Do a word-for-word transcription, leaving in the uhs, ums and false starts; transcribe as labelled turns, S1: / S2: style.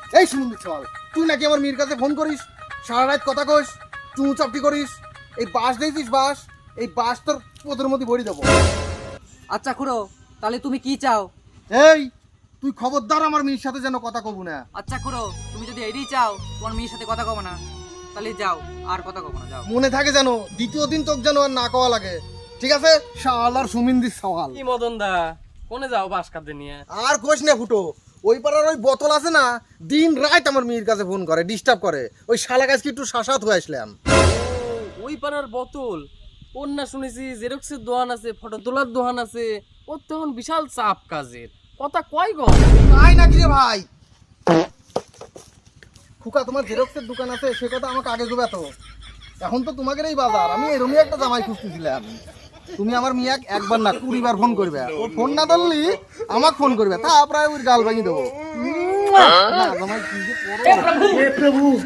S1: এই শুনুন চল, তুই নাকি আমার মেয়ের কাছে ফোন করিস, সারা রাত কথা কইস, চুঁ চাপটি করিস। এই বাস দিয়েছিস, বাস, এই বাস তোর পোদের মধ্যে ভরি দেবো।
S2: আচ্ছা খুড়ো, তাহলে তুমি কি চাও?
S1: এই তুই খবরদার আমার মেয়ের সাথে যেন কথা কব না।
S2: আচ্ছা খুড়ো, তুমি যদি এটাই চাও তোমার মেয়ের সাথে কথা কব না, তাহলে যাও, আর কথা কব না, যাও।
S1: মনে থাকে যেন দ্বিতীয় দিন তোকে যেন আর না কওয়া লাগে, ঠিক আছে? শালার সুমিন্দির সওয়াল।
S3: কি মদন দা, কোনে যাও বাস কাঁদতে নিয়ে?
S1: আর কোশ না ফুটো, ওই পাড়ার ওই বোতল আছে না, দিন রাত আমার মেয়ের কাছে ফোন করে, ডিস্টার্ব করে। ওই শালা গাছকে একটু শাসাত হয়ে আসলাম।
S3: ও, ওই পাড়ার বোতল, ওর না শুনেছি জেরক্সের দোকান আছে, ফটো তোলার দোকান আছে, ওর তখন বিশাল চাপ কাজের। কথা কয় গো?
S1: তাই নাকি রে ভাই? খুকা, তোমার জেরক্সের দোকান আছে সে কথা আমাকে আগে দেবে তো। এখন তো তোমাদের এই বাজার, আমি এরমই একটা জামাই খুঁজতেছিলাম। তুমি আমার মিয়াক একবার না কুড়ি বার ফোন করবে, ও ফোন না ধরলি আমাকে ফোন করবে, তা প্রায় ওর গাল ভাঙি দেবো। না জামাই কি যে করো।